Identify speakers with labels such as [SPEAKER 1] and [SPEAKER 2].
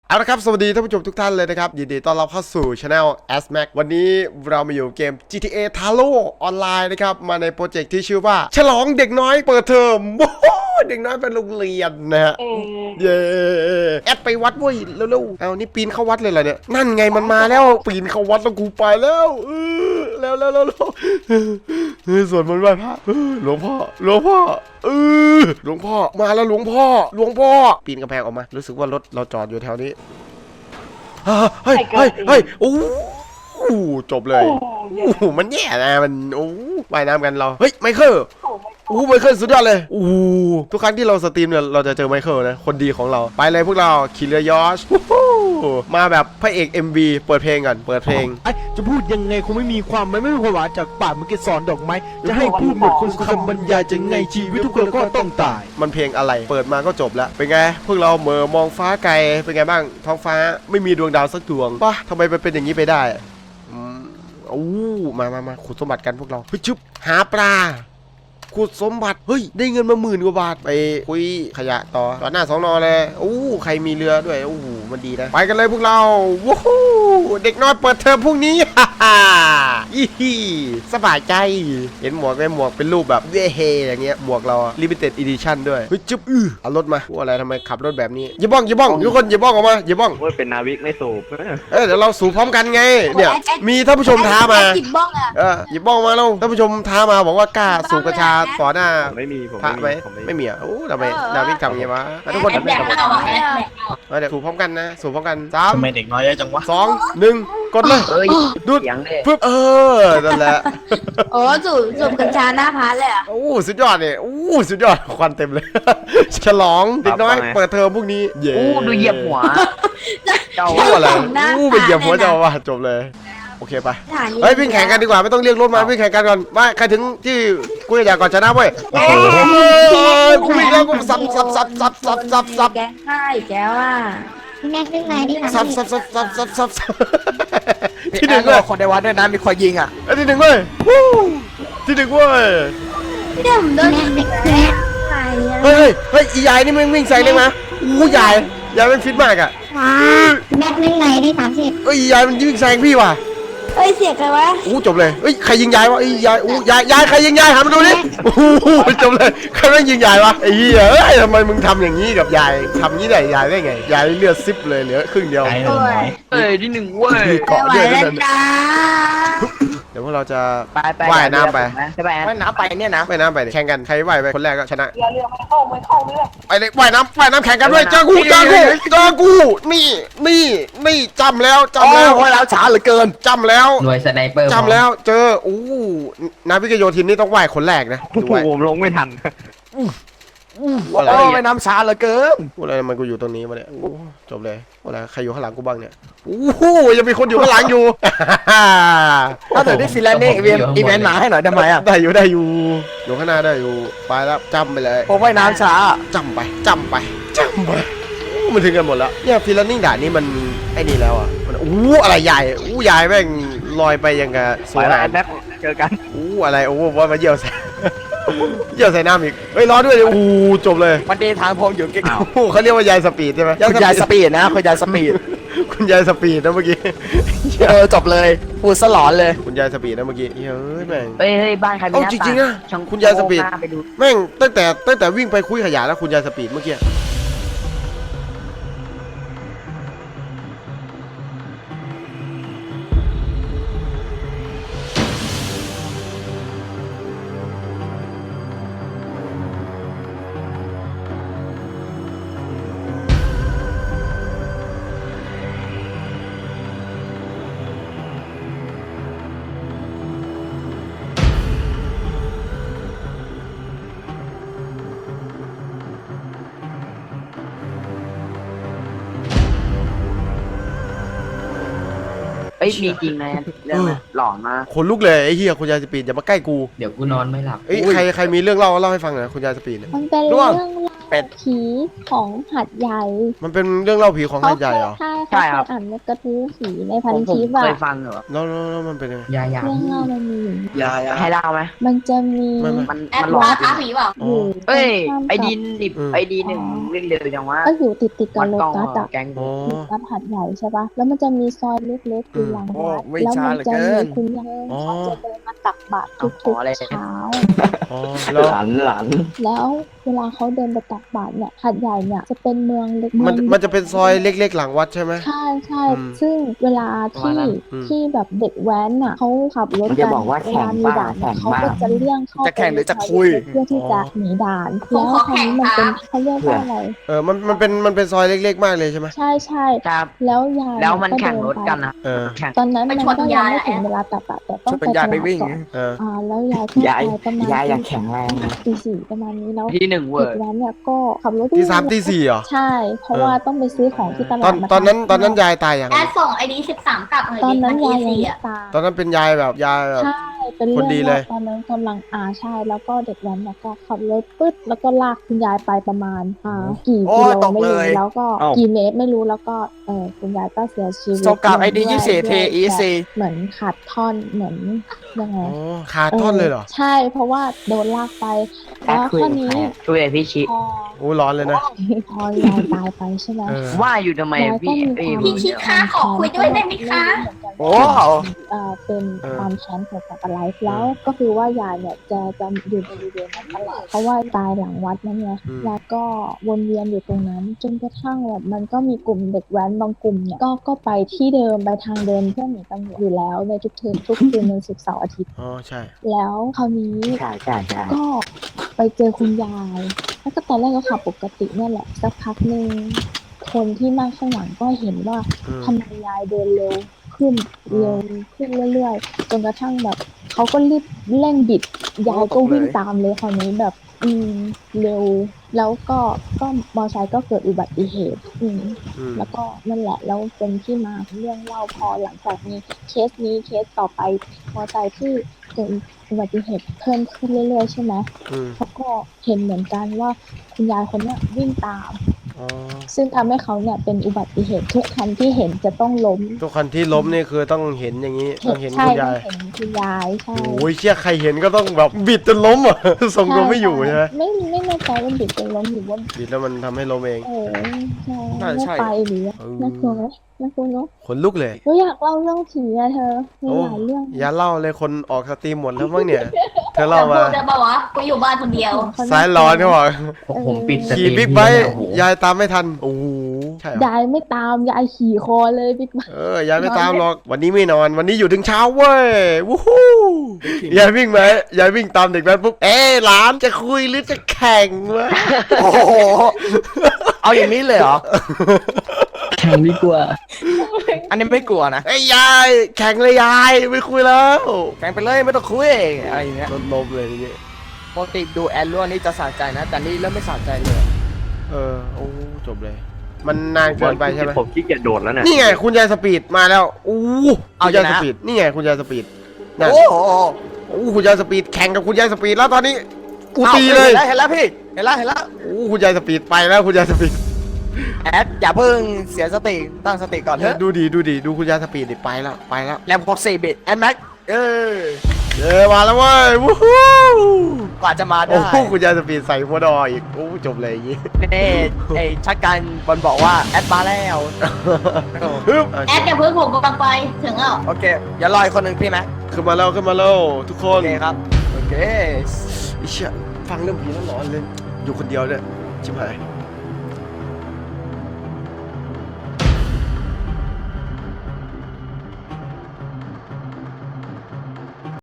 [SPEAKER 1] เอาละครับสวัสดีท่านผู้ชมทุกท่านเลยนะครับยินดีต้อนรับเข้าสู่ Channel ASMAC วันนี้เรามาอยู่เกม GTA Talo ออนไลน์นะครับมาในโปรเจกต์ที่ชื่อว่าฉลองเด็กน้อยเปิดเทอมโอ้โหเด็กน้อยเป็นโรงเรียนนะฮะเย้แอดไปวัดเว้ยเร็วๆเอานี่ปีนเข้าวัดเลยเหรอเนี่ยนั่นไงมันมาแล้วปีนเข้าวัดแล้วกูไปแล้วแล้วสวดมนต์ไหว้พระหลวงพ่อหลวงพ่อมาแล้วหลวงพ่อปีนกำแพงออกมารู้สึกว่ารถเราจอดอยู่แถวนี้เฮ้ยโอ้จบเลยมันแย่นะมันว่ายน้ำกันเราเฮ้ยไมเคิลไมเคิลสุดยอดเลยทุกครั้งที่เราสตรีมเนี่ยเราจะเจอไมเคิลนะคนดีของเราไปเลยพวกเราขี่เรือยอชมาแบบพระเอก MV เปิดเพลงก่อนเปิดเพลง
[SPEAKER 2] จะพูดยังไงคงไม่มีความหวานจากปากมันก็สอนดอกไม้จะให้พูดหมดคนคำบรรยายจะไงชีวิตทุกคนก็ต้องตาย
[SPEAKER 1] มันเพลงอะไรเปิดมาก็จบแล้วเป็นไงพวกเราเหม่อมองฟ้าไกลเป็นไงบ้างท้องฟ้าไม่มีดวงดาวสักดวงป่ะทำไมเป็นอย่างนี้ไปได้มาขุดสมบัติกันพวกเราเฮ้ยชึบหาปลาขุดสมบัติเฮ้ยได้เงินมา10,000 กว่าบาทไปคุยขยะต่อหน้า2 น.เลยใครมีเรือด้วยมันดีนะไปกันเลยพวกเราว้าวเด็กน้อยเปิดเทอมพรุ่งนี้สบายใจเห็นหมวกไหมหมวกเป็นรูปแบบเฮอย่างเงี้ยหมวกเรา limited edition ด้วยเฮ้ยจึ๊บเอารถมาอะไรทำไมขับรถแบบนี้อย่าบ้องทุกคนอย่าบ้องออกมาอย่าบ้อง
[SPEAKER 3] เป็นนาวิกไม่สูบ
[SPEAKER 1] เดี๋ยวเราสูบพร้อมกันไงเนี่ยมีท่านผู้ชมท้ามาหยิบบ้องหยิบบ้องมาแล้วท่านผู้ชมท้ามาบอกว่ากล้าสูบกัญชาต่อหน้า
[SPEAKER 3] ไม่มีผม
[SPEAKER 1] พระไหมไม่มีทำไมนาวิกทำอย่างนี้วะทุกคนเดี๋ยวสูบพร้อมกันนะสูบพร้อมกัน3
[SPEAKER 4] ทำไมเด็กน้อยเยอะจังวะ
[SPEAKER 1] 2 1กดเลยดูดปึ๊บนั่นแหละ
[SPEAKER 5] สูบกัญชาหน้าพาเลยอ่ะ
[SPEAKER 1] สุดยอดเนี่ยสุดยอดควันเต็มเลยฉลองเด็กน้อยเปิดเทอมพวกนี้เย้
[SPEAKER 4] ดูเหยียบหัว
[SPEAKER 1] เจ้าอะไรไปเหยียบหัวเจ้าว่ะจบเลยโอเคไปเฮ้ยวิ่งแข่งกันดีกว่าไม่ต้องเรียกรถมาวิ่งแข่งกันก่อนว่าใครถึงที่กูอยากก่อนชนะเว้ยกูวิ่งแล้วกูสับ
[SPEAKER 5] แกให้แกว่า
[SPEAKER 6] แม็กเป็นไงที่ทำ
[SPEAKER 1] สับที่หนึ่งเลย
[SPEAKER 2] คนในวัดด้วยนะมีคอยยิงอ่ะ
[SPEAKER 1] ที่หนึ่งเว้ยที่หนึ่งเว้ย
[SPEAKER 5] เดี๋ยวผมโดน
[SPEAKER 1] เฮ้ยอียายนี่มันวิ่งใส่เลยมั้ยยายมันฟิตมากอ่ะ
[SPEAKER 6] แม็กเป็นไงที่30
[SPEAKER 1] อียายมันวิ่งแซงพี่ว่ะ
[SPEAKER 5] เสียใครวะ
[SPEAKER 1] จบเลยใครยิงยายวะยายใครยิงยายหามาดูดิจบเลยใครแม่งยิงยายวะไอ้เหี้ยทำไมมึงทำอย่างนี้กับยายทำงี้ได้ยายได้ไงยายเลือดซิบเลยเหลือครึ่งเดียว
[SPEAKER 4] ที่1เว้ย
[SPEAKER 1] เกาะเยอะเลยเดี๋ยวพวกเราจะว่ายน้ำไป
[SPEAKER 2] ว่ายน้ำไปเนี่ยนะ
[SPEAKER 1] ว่ายน้ำไปแข่งกันใครว่ายไปคนแรกก็ชนะ
[SPEAKER 5] เรือไม่เข้า
[SPEAKER 1] ไปเลยว่ายน้ำแข่งกันด้วยเจอกูนี่จำแล้ว
[SPEAKER 2] ว่ายน้ำช้าเหลือเกิน
[SPEAKER 1] จำแล้ว
[SPEAKER 4] หน่วยสไนเปอร์
[SPEAKER 1] จำแล้วเจอนาวิกโยธินนี่ต้องว่ายคนแรกนะ
[SPEAKER 3] ผมลงไม่ทัน
[SPEAKER 2] ว่ายน้ำช้าเหลือเกิน
[SPEAKER 1] อะไรมันกูอยู่ตรงนี้มาเนี่ยจบเลยอะไรใครอยู่ข้างหลังกูบ้างเนี่ยยังมีคนอยู่ข้างหลังอยู่
[SPEAKER 2] ถ้าเธอได้ฟิลแลนด์อีเวนต์มาให้หน่อยได้ไหมอ่ะ
[SPEAKER 1] ได้อยู่ข้างหน้าได้อยู่ไปแล้วจำไปเลย
[SPEAKER 2] ผมว่ายน้ำช้า
[SPEAKER 1] จำไปมันถึงกันหมดแล้วเนี่ยฟิลแลนด์ด่านนี้มันไอ้นี่แล้วอ่ะมันอะไรใหญ่ใหญ่แม่งลอยไปยังกับ
[SPEAKER 3] สวยแบ็คเจอกัน
[SPEAKER 1] อะไรว่ามาเยี่ยวใส่น้ำอีกร้อนด้วยเลยจบเลย
[SPEAKER 2] มันเดินทางพงอยู่เก่ง
[SPEAKER 1] เขาเรียกว่ายายสปีดใช่ไหม
[SPEAKER 2] คุณยายสปีดนะคุณยายสปีด
[SPEAKER 1] คุณยายสปีดนะเมื่อกี้
[SPEAKER 2] จบเลยพูดสลอนเลย
[SPEAKER 1] คุณยายสปีดนะเมื่อกี้แม่ง
[SPEAKER 4] บ้านใครมีหน้า
[SPEAKER 1] จริงๆนะคุณยายสปีดแม่งตั้งแต่วิ่งไปคุยขยะแล้วคุณยายสปีดเมื่อกี้
[SPEAKER 4] มีจริงนะเรื่องหลอนมาก
[SPEAKER 1] คนลุกเลยไอ้เหี้ยคุณยายสปีดอย่ามาใกล้กู
[SPEAKER 4] เดี๋ยวกูนอนไม่หลับ
[SPEAKER 1] ใครมีเรื่องเล่าให้ฟังหน่อยคุณยายสปีดเนี่ย
[SPEAKER 6] มันเป็นเรื่องราว
[SPEAKER 7] เป็ด
[SPEAKER 6] ผีของหัดใหญ่
[SPEAKER 1] มันเป็นเรื่องเล่าผีของหาดใหญ่เหรอ
[SPEAKER 6] ใช่
[SPEAKER 3] ใช่ครับ
[SPEAKER 6] อ่านในกระทู้ผีในพัน
[SPEAKER 4] ผม
[SPEAKER 6] ทิป
[SPEAKER 4] เค
[SPEAKER 6] อะ
[SPEAKER 4] ยฟังเหรอ
[SPEAKER 1] แล้วมันเป็นยังไง
[SPEAKER 4] ยา
[SPEAKER 6] เรื่องเล่ามันมีอยู่
[SPEAKER 7] ยา
[SPEAKER 4] ให้เล่าไหม
[SPEAKER 6] มันจะมี
[SPEAKER 1] ไม่
[SPEAKER 4] มัน
[SPEAKER 5] แอด
[SPEAKER 4] มันหลอ
[SPEAKER 5] วาก ร์ท้าผีเปล่า
[SPEAKER 1] อ๋
[SPEAKER 6] อ
[SPEAKER 1] อยู่
[SPEAKER 4] เอ้ย
[SPEAKER 6] ตรงข้าม
[SPEAKER 4] ไอ
[SPEAKER 6] กับ
[SPEAKER 4] ดีนิบไอดีหนึ่งเล่นเร็วจังวะ
[SPEAKER 6] ก็อยู่ติดกับ
[SPEAKER 4] วัด
[SPEAKER 6] โล
[SPEAKER 4] กล้อง
[SPEAKER 6] ตัสอะ
[SPEAKER 4] แกง
[SPEAKER 1] อ๋อ
[SPEAKER 6] วัดหัดใหญ่ใช่ปะแล้วมันจะมีซอยเล็กๆอยู่หลังวัดแล้วมันจะมีคุณยาย
[SPEAKER 1] อ๋อ
[SPEAKER 6] เขาจะเดินมาตักบาตรทุกๆเช้า
[SPEAKER 1] อ๋อแล้ว
[SPEAKER 4] หลาน
[SPEAKER 6] แล้วเวลาเขาเดินไปตักบาตรเนี่ยหัดใหญ่เนี่ยจะเป็นเมืองเล็ก
[SPEAKER 1] มันจะเป็นซอยเล็กๆหลังวัดใช่ไหม
[SPEAKER 6] ใช่ใช่
[SPEAKER 1] อืม
[SPEAKER 6] ซึ่งเวลา
[SPEAKER 4] ประมาณ
[SPEAKER 6] ที่
[SPEAKER 4] นั้น
[SPEAKER 1] อืม
[SPEAKER 6] ที่แบบเด็กแว้นอ่ะเขาขับรถ
[SPEAKER 4] มันจะบอกว่า
[SPEAKER 6] เว
[SPEAKER 4] แข่ง
[SPEAKER 6] ลามีด่าน
[SPEAKER 4] แข่ง
[SPEAKER 6] เขาก็
[SPEAKER 4] บ้าง
[SPEAKER 6] จะเลี่ยงเข้า
[SPEAKER 7] จะแข่งหรือจะ
[SPEAKER 6] ไป
[SPEAKER 7] คุย
[SPEAKER 6] เพื่อที่จะหนีด่าน
[SPEAKER 5] ผม
[SPEAKER 6] แล้ว
[SPEAKER 5] ขอ
[SPEAKER 6] คราวนี้มัน
[SPEAKER 5] แข่
[SPEAKER 6] เป็น
[SPEAKER 5] ง
[SPEAKER 6] เขาเรียกว่าอะไร
[SPEAKER 1] มันเป็นซอยเล็กๆมากเลยใช่ไหม
[SPEAKER 6] ใช่ใช่
[SPEAKER 4] ครับ
[SPEAKER 6] แล้วยาย
[SPEAKER 4] แล้วมัน
[SPEAKER 6] ก็
[SPEAKER 4] แข่ง
[SPEAKER 6] เดิ
[SPEAKER 4] รถกันนะ
[SPEAKER 1] เออ
[SPEAKER 4] แข่ง
[SPEAKER 6] ตอนนั้น
[SPEAKER 5] ไป
[SPEAKER 6] มัน
[SPEAKER 5] ชน
[SPEAKER 6] ก็ยัง
[SPEAKER 5] ยาย
[SPEAKER 6] ไม่ถึง
[SPEAKER 5] อะ
[SPEAKER 6] เวลาตักบาตรแต่ต้อง
[SPEAKER 7] ชวน
[SPEAKER 6] ไป
[SPEAKER 7] ยาย
[SPEAKER 6] ต
[SPEAKER 7] ไป
[SPEAKER 6] ลาด
[SPEAKER 7] วิ่ง
[SPEAKER 6] ก่อน
[SPEAKER 1] เออ
[SPEAKER 6] แล้วยายก็
[SPEAKER 4] ยาย
[SPEAKER 6] ไปประมาณ
[SPEAKER 4] ยายอยากแข็งแรงนะ
[SPEAKER 6] ตีสี่ประมาณนี้แล้ว
[SPEAKER 4] ที่หนึ่งเว้
[SPEAKER 6] เด็
[SPEAKER 4] ย
[SPEAKER 6] กแว้นเนี่ยก็ขับรถ
[SPEAKER 1] ที่3 ที่ 4เหรอ
[SPEAKER 6] ใช่ เพราะว่าต้องไปซื้อของที่ตลาดมา
[SPEAKER 1] ตอนนั้น
[SPEAKER 6] ทำ
[SPEAKER 1] ตอนนั้นยายตายยัง
[SPEAKER 5] แอดส่งไอดี13กลับหน่อย
[SPEAKER 6] ตอน
[SPEAKER 5] ดิ
[SPEAKER 6] นั้น
[SPEAKER 5] มัน
[SPEAKER 6] ยายยัง
[SPEAKER 5] สี่
[SPEAKER 6] ไม่
[SPEAKER 5] อ่ะ
[SPEAKER 6] ตาย
[SPEAKER 1] ตอนนั้นเป็นยายแบบ
[SPEAKER 6] ใช่เป็น
[SPEAKER 1] คนดี
[SPEAKER 6] เรื่อง
[SPEAKER 1] เลย
[SPEAKER 6] ว่าตอนนั้นกำลังใช่แล้วก็เด็กแว้นเนี่ยก็ขับรถปึ๊ดแล้วก็ลากคุณยายไปประมาณกี่
[SPEAKER 7] โอ้
[SPEAKER 6] กิโล
[SPEAKER 7] ตก
[SPEAKER 6] ไม่รู้
[SPEAKER 7] เลย
[SPEAKER 6] แล้วก็
[SPEAKER 7] เอ้า
[SPEAKER 6] กี่เมตรไม่รู้แล้วก็คุณยายก็เสียชีวิต
[SPEAKER 7] ส่งกลับ ID
[SPEAKER 6] ลงด้วย
[SPEAKER 7] 24
[SPEAKER 6] ด้วย
[SPEAKER 7] TEC
[SPEAKER 6] แบบเหมือนขาดท่อนเหมือนยังไง
[SPEAKER 1] อ๋อขาดท่อนเลยเหรอ
[SPEAKER 6] ใช่เพราะว่าโดนลากไป
[SPEAKER 4] แอ
[SPEAKER 6] แล้
[SPEAKER 4] ด
[SPEAKER 6] ว
[SPEAKER 4] คุย
[SPEAKER 6] ข้อ
[SPEAKER 4] กับ
[SPEAKER 6] นี้
[SPEAKER 4] ใครอะคุยกับพี่ชิ
[SPEAKER 6] พอ
[SPEAKER 1] โอ้ร้อนเลยนะ
[SPEAKER 6] พอยายตายไปใช่ไหม
[SPEAKER 1] เออ
[SPEAKER 4] ว่าอยู่ทำไม
[SPEAKER 6] ยายก็
[SPEAKER 4] พี่
[SPEAKER 6] มี
[SPEAKER 5] พี่คิดค้าขอคุยด้วยได้ไหมคะ
[SPEAKER 7] โอ้
[SPEAKER 6] เป็น
[SPEAKER 1] เออ
[SPEAKER 6] ความแค้นเกี่ยวกับอะไรแล้วก็คือว่ายายเนี่ยจะอยู่บริเวณนั้นตลอดเพราะว่าตายหลังวัดนั่นไงยายก็วนเวียนอยู่ตรงนั้น จนกระทั่งแบบมันก็มีกลุ่มเด็กแว้นบางกลุ่มเนี่ยก็ไปที่เดิมไปทางเดิมเพื่อหนีตำรวจอยู่แล้วในทุกคืนวันศุกร์เสาร์อาทิตย์
[SPEAKER 1] อ๋อใช่
[SPEAKER 6] แล้วคราวนี้
[SPEAKER 4] ใช่ใช่ใช่
[SPEAKER 6] ก็ไปเจอคุณยาย แล้วก็ตอนแรกก็ขับปกติเนี่ยแหละสักพักหนึ่งคนที่นั่งข้างหลังก็เห็นว่า
[SPEAKER 1] อืม
[SPEAKER 6] ทำไมยายเดินเร็วขึ้นเรื่อยๆจนกระทั่งแบบเขาก็รีบเร่งบิดยายก็วิ่งตามเลยคราวนี้แบบเร็วแล้วก็มอเตอร์ไซค์ก็เกิดอุบัติเหตุ
[SPEAKER 1] อืม
[SPEAKER 6] แล้วก็นั่นแหละแล้วเป็นที่มาของเรื่องเล่าพอหลังจากมีเคสต่อไปมอเตอร์ไซค์ที่เกิดอุบัติเหตุเพิ่มขึ้นเรื่อยๆใช่ไหม
[SPEAKER 1] อืม
[SPEAKER 6] เขาก็เห็นเหมือนกันว่าคุณยายคนเนี้ยวิ่งตาม
[SPEAKER 1] อ๋อ
[SPEAKER 6] ซึ่งทำให้เขาเนี่ยเป็นอุบัติเหตุทุกคันที่เห็นจะต้องล้ม
[SPEAKER 1] ทุกคันที่ล้มนี่คือต้องเห็นอย่างนี้ ต้องเห็น
[SPEAKER 6] ใช่
[SPEAKER 1] คุณ
[SPEAKER 6] ต้
[SPEAKER 1] ยา
[SPEAKER 6] อย งเห็นคุณยายใช่
[SPEAKER 1] โอ้ยเชี่ยใครเห็นก็ต้องแบบบิดจนล้มอ่ะ ทรงตัวไม่อยู่ใช่ไหม
[SPEAKER 6] ไม่แน่ใจว่าบิดเป็นล้มหรือว่า
[SPEAKER 1] บิดแล้วมันทำให้ล้มเอง
[SPEAKER 6] ใช่
[SPEAKER 7] น่าจะ
[SPEAKER 6] ไม่
[SPEAKER 7] ใช่
[SPEAKER 6] ไปหรือน่ากลัวไหมน่ากลัวเนาะ
[SPEAKER 1] ขนลุกเลย
[SPEAKER 6] หนูอยากเล่าเรื่องผีอะเธอมี
[SPEAKER 1] โอ้
[SPEAKER 6] หลายเรื่อง
[SPEAKER 1] อย่าเล่าเลยคนออกสตรีมหมดแล้วมั้งเนี่ย เธอ
[SPEAKER 5] จะ
[SPEAKER 1] เล่ามา
[SPEAKER 5] พูดได้ป่าวะกูอยู่บ้านคนเดียว
[SPEAKER 1] สายร้อนเขาบอก
[SPEAKER 4] ผมปิดสตรี
[SPEAKER 1] ขี่
[SPEAKER 4] ม
[SPEAKER 1] บิ๊กไบค์ยายตามไม่ทัน โอ้โหใช่เหรอย
[SPEAKER 6] ายไม่ตามยายขี่คอเลยบิ๊กไบค์
[SPEAKER 1] ยายไม่ตามหรอก วันนี้ไม่นอน วันนี้อยู่ถึงเช้าเว้ย วู้ฮู้ยายวิ่งไหมยายวิ่งตามเด็กแว้นปุ๊บ หลานจะคุยหรือจะแข่งวะ
[SPEAKER 7] โอ้โห เอาอย่างนี้เลยเหรอ
[SPEAKER 4] แข่งดีกว่า
[SPEAKER 7] อันนี้ไม่กลัวนะ
[SPEAKER 1] ยายแข่งเลยยายไม่คุยแล้ว
[SPEAKER 7] แข่งไปเลยไม่ต้องคุยอะไรอย่างเงี้ย
[SPEAKER 1] รถล้มเลยทีนี้
[SPEAKER 7] ปกติดูแอนล่วนี่จะสะใจนะ แต่นี่เริ่มไม่สะใจเลย
[SPEAKER 1] โอ้จบเลย มันนานเกินไปใช่ไหม
[SPEAKER 3] ผมขี้เกียจโดดแล้วเนี่ย
[SPEAKER 1] นี่ไงคุณยายสปีดมาแล้วอู้คุณยายสปีดนี่ไงคุณยายสปีดนั่น
[SPEAKER 7] โอ้โห
[SPEAKER 1] คุณยายสปีดแข่งกับคุณยายสปีดแล้วตอนนี้กู
[SPEAKER 7] อา
[SPEAKER 1] ตีเลย
[SPEAKER 7] เห็นแล้วพี่ เห็นแล้ว
[SPEAKER 1] คุณยายสปีดไปแล้วคุณยายสปีด
[SPEAKER 7] แอดอย่าเพิ่งเสียสติ ตั้งสติก่อนเถอะ
[SPEAKER 1] ดูคุณยายสปีดดิไปแล้ว
[SPEAKER 7] แรม64 บิตแอดแม็ก
[SPEAKER 1] มาแล้วเว้ยวู้ฮู้
[SPEAKER 7] กว่าจะมา
[SPEAKER 1] โอ้
[SPEAKER 7] ได้
[SPEAKER 1] โหคุณยายสปีดใส่หัวดออีกโอ้จบเลยอย่างงี้
[SPEAKER 7] นี่ไอ้ชักการบอลบอกว่าแอดมาแล้ว
[SPEAKER 1] ฮึบ
[SPEAKER 5] แอดอย่าเพิ่งผมกำลังไปถึงแล้ว
[SPEAKER 7] โอเคอย่ารออีกคนหนึ่งพี่ไหม
[SPEAKER 1] ขึ้นมาแล้วทุกค
[SPEAKER 7] โอน เคครับโอเค
[SPEAKER 1] ไอ้เชี่ยฟังเรื่องผีแล้วหลอนเลยอยู่คนเดียวเนี่ยชิบหาย